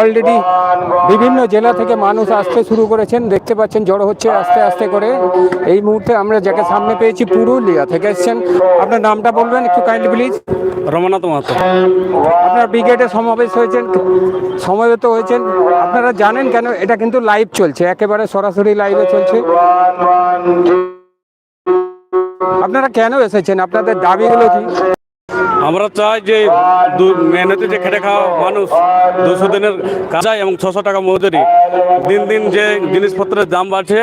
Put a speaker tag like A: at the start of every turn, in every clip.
A: Already বিভিন্ন জেলা থেকে মানুষ আসতে শুরু করেছেন, দেখতে পাচ্ছেন জড়ো হচ্ছে আস্তে আস্তে করে। এই মুহূর্তে আমরা যাকে সামনে পেয়েছি পুরুলিয়া থেকে এসেছেন। আপনার নামটা বলবেন একটু কাইন্ডলি প্লিজ।
B: রমনাথ মাহাতো।
A: আপনার ব্রিগেডে সমাবেশ হয়েছেন, সমবেত হয়েছেন, আপনারা জানেন কেন? এটা কিন্তু লাইভ চলছে, একেবারে সরাসরি লাইভে চলছে। আপনারা কেন এসেছেন? আপনাদের দাবিগুলো কি?
B: আমরা চাই যে মেহনতি যে খেটে খাওয়া মানুষ 200 দিনের কাজ এবং 600 টাকা মজুরি। দিন দিন যে জিনিসপত্রের দাম বাড়ছে,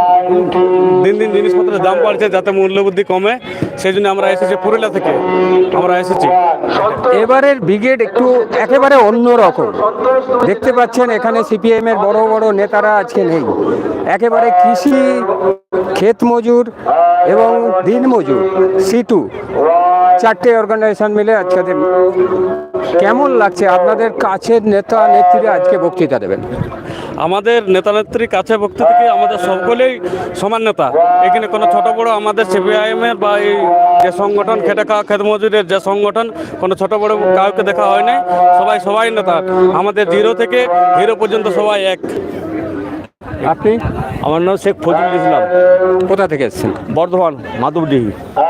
B: যাতে মূল্যবৃদ্ধি কমে, সেই জন্য আমরা এসেছি পুরুলিয়া থেকে। আমরা এসেছি
A: এবারের ব্রিগেড একটু একেবারে অন্য রকম। দেখতে পাচ্ছেন এখানে সিপিএম এর বড় বড় নেতারা আজকে নেই। একেবারে কৃষি, ক্ষেত মজুর এবং দিন মজুর, সিটু, 4টে অর্গানাইজেশন মিলে আজকে। কেমন লাগছে? আপনাদের কাছের নেতা নেত্রীরা আজকে বক্তৃতা দেবেন।
B: আমাদের নেতা নেত্রীর কাছে ভক্তি থেকে আমাদের সকলেই সমান নেতা। এখানে কোনো ছোট বড় আমাদের সিপিআইএমের বা এই যে সংগঠন খেটে খাওয়া ক্ষেত মজুরের যে সংগঠন, কোনো ছোট বড় কাউকে দেখা হয় নাই। সবাই নেতা। আমাদের জিরো থেকে হিরো পর্যন্ত সবাই এক।
A: আপনি?
B: আমার নাম শেখ ফজলুল ইসলাম।
A: কোথা থেকে এসেছেন?
B: বর্ধমান, মাধবডিহি।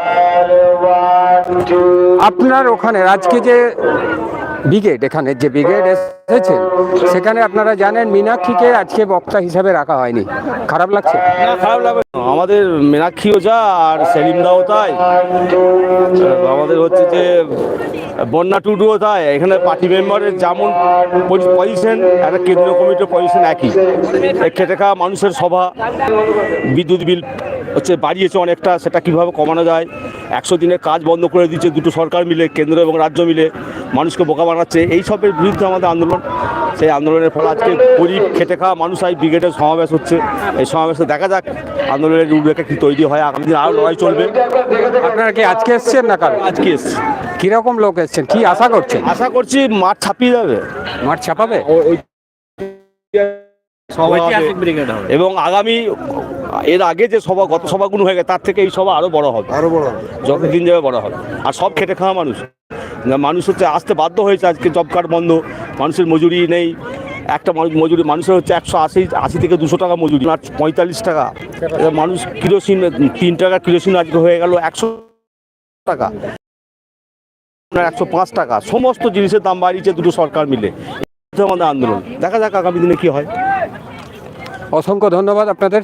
A: আপনার ওখানে আজকে যে ব্রিগেড, এখানে যে ব্রিগেড এসেছেন, সেখানে আপনারা জানেন মীনাক্ষীকে আজকে বক্তা হিসাবে রাখা হয়নি। খারাপ লাগছে?
B: না, খারাপ লাগবে না। আমাদের মীনাক্ষীও যা আর সেলিমদাও তাই, আমাদের হচ্ছে যে বন্যা টুডুও তাই। এখানে পার্টি মেম্বারের যেমন পজিশন, একটা কেন্দ্রীয় কমিটির পজিশন একই। খেটে খাওয়া মানুষের সভা, বিদ্যুৎ বিল হচ্ছে বাড়িয়েছে অনেকটা, সেটা কিভাবে কমানো যায়। 100 দিনের কাজ বন্ধ করে দিচ্ছে দুটো সরকার মিলে, কেন্দ্র এবং রাজ্য মিলে মানুষকে বোকা বানাচ্ছে। এই সবের বিরুদ্ধে আমাদের আন্দোলন। সেই আন্দোলনের ফলে আজকে গরিব খেটে খাওয়া মানুষ আজ ব্রিগেডের সমাবেশ হচ্ছে। এই সমাবেশে দেখা যাক আন্দোলনের রূপরেখা কি তৈরি হয়। আগামী দিন আরও লড়াই চলবে।
A: আপনারা কি আজকে এসছেন না কাল?
B: আজকে এসছি।
A: কিরকম লোক এসছেন? কি আশা করছেন?
B: আশা করছি মাঠ ছাপিয়ে যাবে,
A: মাঠ ছাপাবে
B: এবং আগামী এর আগে যে সভা, গত সভাগুলো হয়ে গেছে, তার থেকে এই সভা আরো বড় হবে। যতদিন যাবে বড় হবে। আর সব খেটে খাওয়া মানুষ হচ্ছে আসতে বাধ্য হয়েছে। আজকে জব কার্ড বন্ধ, মানুষের মজুরি নেই। একটা মজুরি মানুষের হচ্ছে 180 থেকে 200 টাকা মজুরি, 45 টাকা। মানুষ কিরোসিন 3 টাকা কিরোসিন আজকে হয়ে গেল 100 টাকা, 105 টাকা। সমস্ত জিনিসের দাম বাড়িয়েছে দুটো সরকার মিলে। আমাদের আন্দোলন, দেখা যাক আগামী দিনে কি হয়।
A: অসংখ্য ধন্যবাদ আপনাদের।